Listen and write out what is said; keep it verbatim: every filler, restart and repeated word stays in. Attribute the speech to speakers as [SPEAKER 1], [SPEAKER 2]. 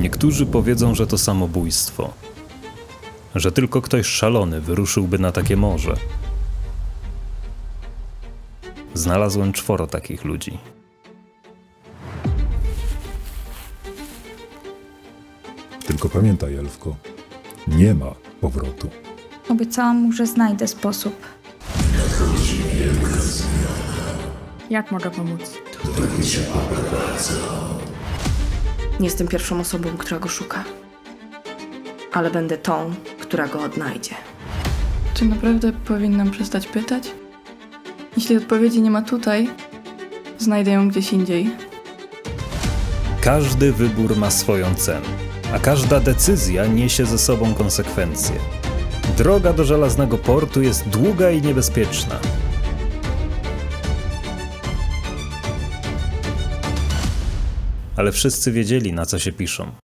[SPEAKER 1] Niektórzy powiedzą, że to samobójstwo, że tylko ktoś szalony wyruszyłby na takie morze. Znalazłem czworo takich ludzi.
[SPEAKER 2] Tylko pamiętaj, Elfko, nie ma powrotu.
[SPEAKER 3] Obiecałam mu, że znajdę sposób.
[SPEAKER 4] Jak mogę pomóc?
[SPEAKER 5] Nie jestem pierwszą osobą, która go szuka. Ale będę tą, która go odnajdzie.
[SPEAKER 4] Czy naprawdę powinnam przestać pytać? Jeśli odpowiedzi nie ma tutaj, znajdę ją gdzieś indziej.
[SPEAKER 1] Każdy wybór ma swoją cenę, a każda decyzja niesie ze sobą konsekwencje. Droga do żelaznego portu jest długa i niebezpieczna. Ale wszyscy wiedzieli, na co się piszą.